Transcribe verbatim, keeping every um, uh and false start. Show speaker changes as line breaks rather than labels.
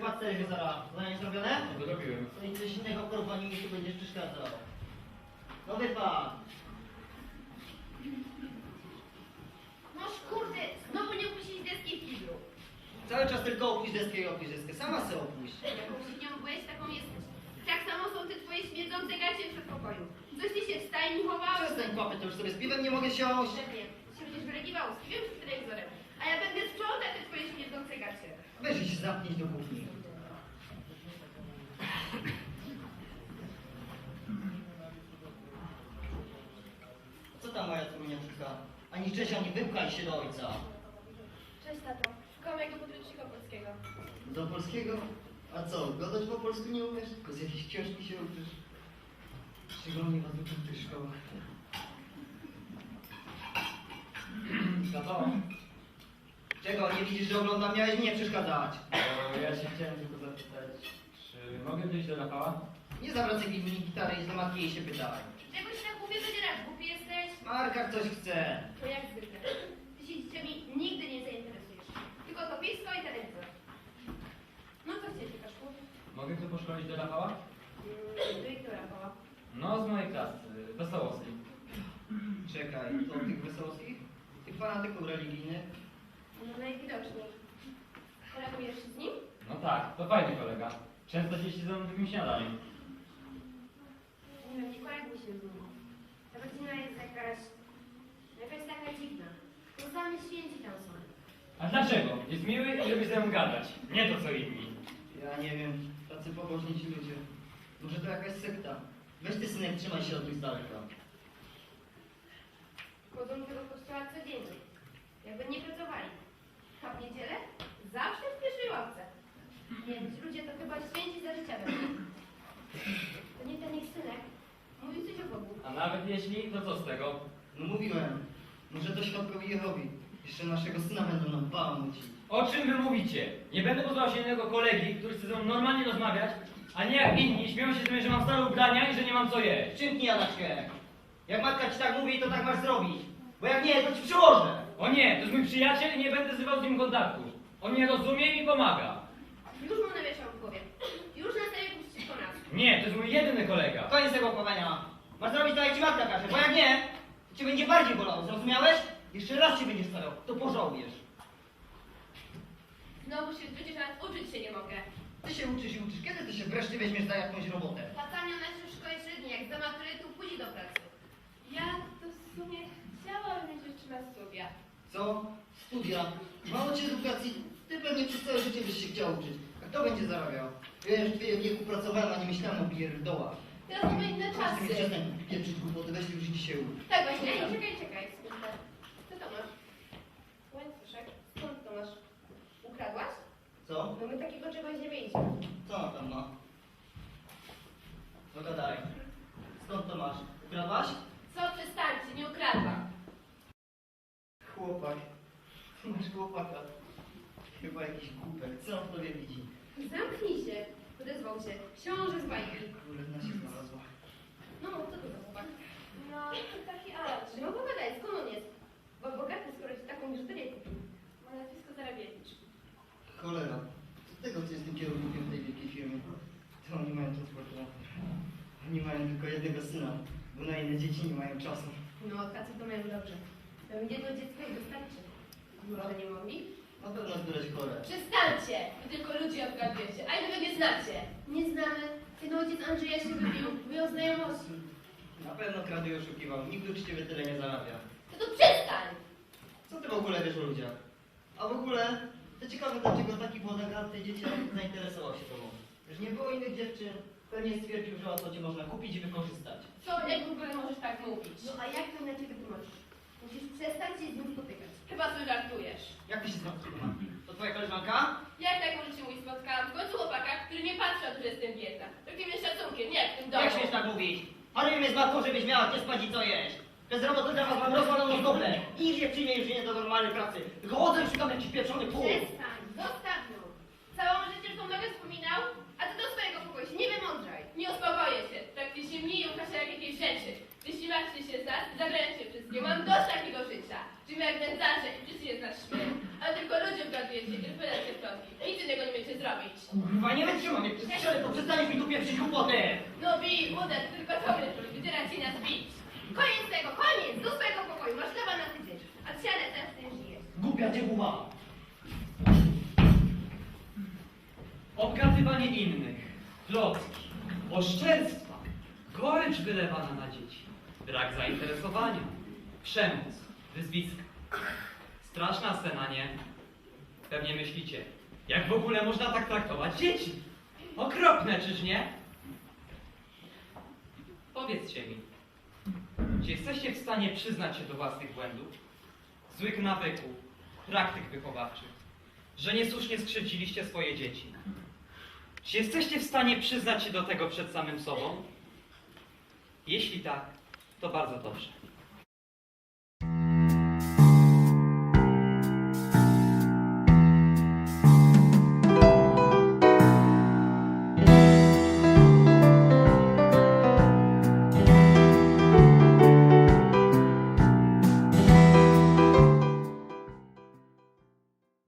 Wypad z telewizora. Zadanie zrobione?
No zrobiłem.
To nic coś innego, kurwa, mi tu będziesz przeszkadzał. No wypad.
Noż kurde, znowu nie opuścić deski w kiblu.
Cały czas tylko opuść deskę i opuść deskę. Sama se opuść.
Jaką świnią byłeś, taką jesteś. Tak samo są te twoje śmierdzące gacie w przedpokoju. Coś ty się w stajni chowałeś.
Przestań papy, to już sobie z piwem nie mogę siąść.
Szefie, się będziesz wylegiwał z piwem przed telewizorem. A ja będę sprzątać te twoje śmierdzące gacie.
Weź i się zamknij do kuchni. Co tam moja córuniaczka? Ani Czesia, nie wypchaj się do ojca.
Cześć tato, szukam jego podręcznika polskiego.
Do polskiego? A co, gadać po polsku nie umiesz? Tylko z jakiejś książki się uczysz? Szczególnie was uczą w tych szkołach.
Tato,
Czego, nie widzisz, że oglądam? Miałeś mi nie przeszkadzać.
e, ja się chciałem tylko zapytać, czy mogę wyjść do Rafała?
Nie zawracaj mi gitarę i do matki jej się pytaj.
Czegoś tak głupie wydzierasz, głupi jesteś?
Marka coś chce.
To jak zwykle. Ty się dzieciami nigdy nie zainteresujesz. Tylko to pisko i telewizor. No co chcecie, Kaszku?
Mogę tu poszkolić do Rafała?
Mm, do Wiktora Rafała.
No, z mojej klasy, Wesołowskiej.
Czekaj, to tych wesołowskich? Tych fanatyków religijnych?
No najwidoczniej. Kolegujesz się z nim?
No tak, to fajny kolega. Często się siedzą na takim śniadaniem.
Nie wiem, nie koleguj się z nim. Ta rodzina jest jakaś... jakaś taka dziwna. To sami święci tam są.
A dlaczego? Jest miły i lubi ze mną gadać. Nie to co inni.
Ja nie wiem, tacy pobożni ci ludzie. Może to jakaś sekta. Weź ty, synek, trzymaj się od nich z daleka.
Chodzą do tego kościoła codziennie. Jakby nie pracowali. A w niedzielę? Zawsze w pierwszej ławce. Nie wiem, ci ludzie to chyba święci za życia będą. To nie ten ich synek. Mówił coś o Bogu.
A nawet jeśli, to co z tego?
No mówiłem, może to świadkowie Jehowi. Jeszcze naszego syna będą nam bałamucić.
O czym wy mówicie? Nie będę pozwał się innego kolegi, który chce ze mną normalnie rozmawiać, a nie jak inni śmieją się z mnie, że mam stare ubrania i że nie mam co jeść.
Przymknij Jadaczkę. Jak matka ci tak mówi, to tak masz zrobić. Bo jak nie, to ci przyłożę.
O nie, to jest mój przyjaciel i nie będę zrywał z nim kontaktu. On mnie rozumie i mi pomaga.
Już mu nawieszał w głowie. Już na sobie puścić po nas.
Nie, to jest mój jedyny kolega.
Koniec tego opowiadania. Masz zrobić tak, jak ci matka każe, bo jak nie, to cię będzie bardziej bolało, zrozumiałeś? Jeszcze raz się będziesz starał, to pożałujesz.
Znowu się przecież nawet uczyć się nie mogę.
Ty się uczysz i uczysz, kiedy ty się wreszcie weźmiesz za jakąś robotę?
Tata miał nas w szkole średniej, jak za maturytu pójdzie do pracy. Ja to w sumie chciałam mieć jeszcze na studia.
Co? Studia? Mało cię edukacji, ty pewnie przez całe życie byś się chciał uczyć. A kto będzie zarabiał? Wiesz, w twoim wieku pracowałem, a nie myślałem o pierdołach.
Teraz mamy inne
Proszę mi
czasy.
przestań pieprzyć głupoty, weź już idź się uczyć.
Tak właśnie. Ej, czekaj, czekaj. Sekundkę. Co to masz? Łańcuszek. Skąd to masz? Ukradłaś?
Co?
No my takiego czegoś nie mieliśmy.
Co ona tam ma? No gadaj. Skąd to masz? Ukradłaś?
Co, przestańcie, nie ukradłam.
Chłopak. Ty masz chłopaka. Chyba jakiś głupek. Co on w tobie widzi?
Zamknij się. Odezwał się. Książę z bajki.
Królewna się znalazła.
No, co to za chłopak? No, to taki Arabs. No pogadaj, skąd on jest? Bo bogaty, skoro ci taką biżuterię kupił. Ma nazwisko Zarabiewicz.
Cholera. Co tego, co jest tym kierownikiem w tej wielkiej firmie? To oni mają transportu. Oni mają tylko jednego syna, bo na inne dzieci nie mają czasu.
No, tacy to mają dobrze. To jedno dziecko i wystarczy. Może nie mogli?
Na pewno zbierać chore.
Przestańcie! Wy tylko ludzi obgadujecie, a ile wy mnie znacie? Nie znamy. Ten ojciec Andrzeja się wybił, wyjął znajomości.
Na pewno kradł i oszukiwał. Nikt uczciwie tyle nie zarabia.
To to przestań!
Co ty w ogóle wiesz o ludziach? A w ogóle, to ciekawe, dlaczego taki młodek tej dzieci zainteresował się tobą. Już nie było innych dziewczyn. Pewnie stwierdził, że łatwo cię można kupić i wykorzystać.
Co, jak w ogóle możesz tak mówić? No a jak to inaczej wytłumaczysz? Musisz przestać się z nim spotykać. Chyba sobie żartujesz.
Jak ty się znasz do matki? To twoja koleżanka?
Jak tak możecie mówić? Spotkałam w końcu chłopaka, który nie patrzy, że jestem biedna. Takim jest szacunkiem, nie jak w tym domu.
Jak śmiesz tak mówić? Harujemy z matką, żebyś miała gdzie spać i co jeść. Bez roboty dla was mam rozwaloną stopę. Nikt nie przyjmie już nie do normalnej pracy. Tylko chodzę i szukam jakiś pieprzony pół.
Przestań, zostaw ją. Całą życie tą nogę wspominał, a ty do swojego pokoju się nie wymądrzaj. Nie uspokoję się, trakcie się mnie i Łukasza jak jakiejś rzeczy. Jeśli macie się za, zabrałem się wszystkie. Mam dość takiego życia. Żyję jak nędzarze i wszyscy je znasz śmieją. Ale tylko ludzi obgadujecie i wydacie plotki. Nic innego nie umiecie zrobić.
Kurwa, nie wytrzymam, jak strzelę, to przestaniesz mi tu pieprzyć głupoty!
No bij, uderz, tylko to mnie robi, wydzierać się nas bić. Koniec tego, koniec, do swojego pokoju, masz chleba na tydzień. A siadę teraz ty już jesz.
Głupia cię głowa!
Obgadywanie innych, plotki, oszczerstwa, gorycz wylewana na dzieci, brak zainteresowania, przemoc, wyzwiska. Straszna scena, nie? Pewnie myślicie, jak w ogóle można tak traktować dzieci? Okropne, czyż nie? Powiedzcie mi, czy jesteście w stanie przyznać się do własnych błędów, złych nawyków, praktyk wychowawczych, że niesłusznie skrzywdziliście swoje dzieci? Czy jesteście w stanie przyznać się do tego przed samym sobą? Jeśli tak, to bardzo dobrze.